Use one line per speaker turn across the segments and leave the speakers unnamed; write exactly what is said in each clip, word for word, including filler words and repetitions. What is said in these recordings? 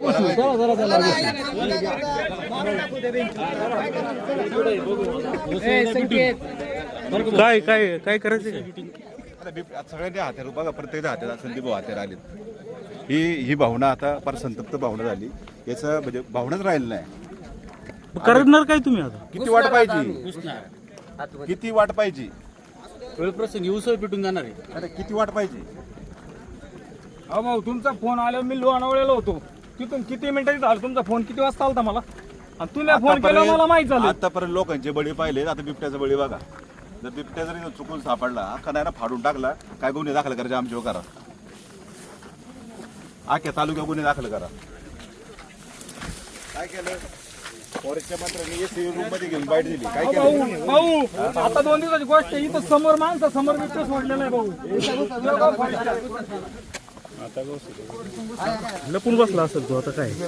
काय काय काय करायचं
सगळ्यांनी हात्यार बघा, प्रत्येक हात्याला संदीप भाऊ हात्यार आले. ही ही भावना आता फार संतप्त भावना झाली. याचं म्हणजे भावनाच राहिलं नाही.
करणार काय तुम्ही आता?
किती वाट पाहिजे, किती वाट पाहिजे,
वेळप्रसंगी उसळ पिटून जाणार आहे.
अरे किती वाट पाहिजे.
अहो भाऊ, तुमचा फोन आला, मी लोणावळ्याला होतो. तिथून किती मिनिटांनी झालं तुमचा फोन? किती वाजता आलता मला? आणि तुम्ही फोन केला मला माहित झालं.
आतापर्यंत लोकांचे बळी पाहिले, आता बिबट्याचा बळी बघा. जर बिबट्या जरी चुकून सापडला, अख्खा नाही ना फाडून टाकला, काय गुन्हे दाखल करायचे आमच्यावर करा. आख्या तालुक्या गुन्हे दाखल करा. काय केलं फॉरेस्टच्या मंत्र्यांनी एसी रूम मध्ये घेऊन बाईट दिली. काय केलं
भाऊ? आता दोन दिवसाची गोष्ट आहे. इथं समोर माणसं समोर बिबट्या सोडलेला आहे भाऊ.
लपून बसला असेल तो. आता काय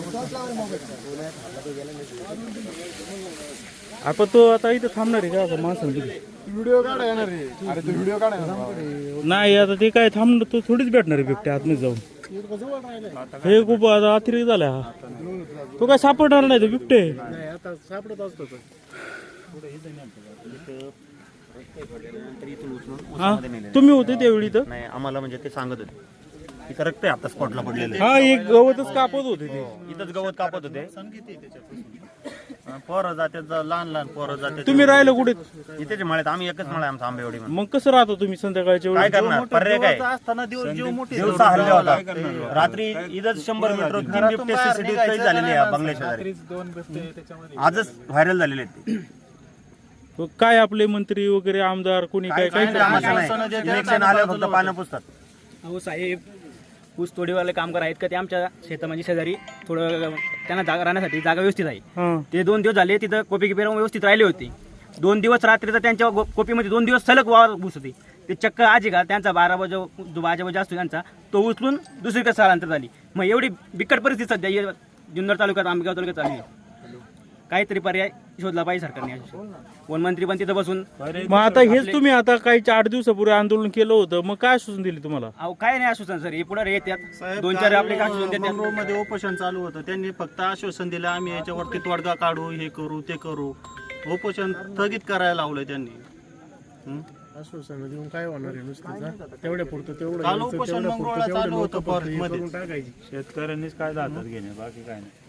आपण तो आता इथं थांबणार आहे का आता माणसांनी?
व्हिडिओ काढा येणार आहे. अरे तो व्हिडिओ काढा
नाही, आता ते काय थांबणार, तो थोडीच भेटणार आहे बिबट्या आतमध्ये जाऊन. हे खूप आता अतिरेक झाला हा. तो काय सापडणार नाही तो बिबटे.
आता सापडत असतो.
हा तुम्ही होते त्यावेळी तर?
नाही, आम्हाला म्हणजे ते सांगत होते इथं रक्त आहे आता स्पॉटला पडलेलं.
हा, एक गवतच कापत होते ते.
इथंच गवत कापत होते. पोरं जातात, लहान लहान पोरं जातात.
तुम्ही राहिलं कुठे?
इथेच मळ्यात. आम्ही एकच मळा आमचा आंबेवाडी.
मग कसं राहतो तुम्ही संध्याकाळच्या
काय
वेळी?
करणार? पर्याय काय? दिवसा हल्ला होता. रात्री इथंच शंभर मीटर तीन बिबटे सीसीटीव्ही कैद झालेले आहे बंगल्याच्या शेजारी. आजच व्हायरल झालेले आहेत.
काय आपले मंत्री वगैरे आमदार कोणी काय काय
इलेक्शन आलं फक्त पानं पुसतात.
अहो साहेब, ऊस तोडीवाले कामगार आहेत का ते आमच्या शेतामध्ये शेजारी थोडं त्यांना जागा राहण्यासाठी जागा व्यवस्थित आहे.
हा.
ते दोन दिवस झाले तिथं कोपी गिपी राहून व्यवस्थित राहिले होते. दोन दिवस रात्रीचा त्यांच्या गो- कोपीमध्ये दोन दिवस सलग वावर घुस होते. ते चक्क आजी का त्यांचा बारा वाजे जो बाजा वाजा असतो त्यांचा तो उचलून दुसरीकडे स्थलांतर झाली. मग एवढी बिकट परिस्थिती सध्या या जुन्नर तालुक्यात आंबेगाव तालुक्यात चालली आहे. काहीतरी पर्याय शोधला पाहिजे सरकारने. वनमंत्री पण तिथं बसून.
मग आता हेच तुम्ही आता काही आठ दिवसापूर्वी आंदोलन केलं होतं, मग काय सूचना दिली तुम्हाला?
अहो काय नाही आश्वासन सर, हे पुढे येतात दोन चार आपले काय आश्वासन देतात.
मध्ये उपोषण चालू होतं. त्यांनी फक्त आश्वासन दिलं आम्ही याच्यावरती तोडगा काढू, हे करू ते करू. उपोषण स्थगित करायला लावलंय त्यांनी.
आश्वासन देऊन काय होणार आहे? नुसतं तेवढ्या पुरतं तेवढं
काल उपोषण मंगळवार चालू होतं फॉरेस्ट मध्ये.
टाकायची.
शेतकऱ्यांनीच काय जातात घेणे, बाकी काय नाही.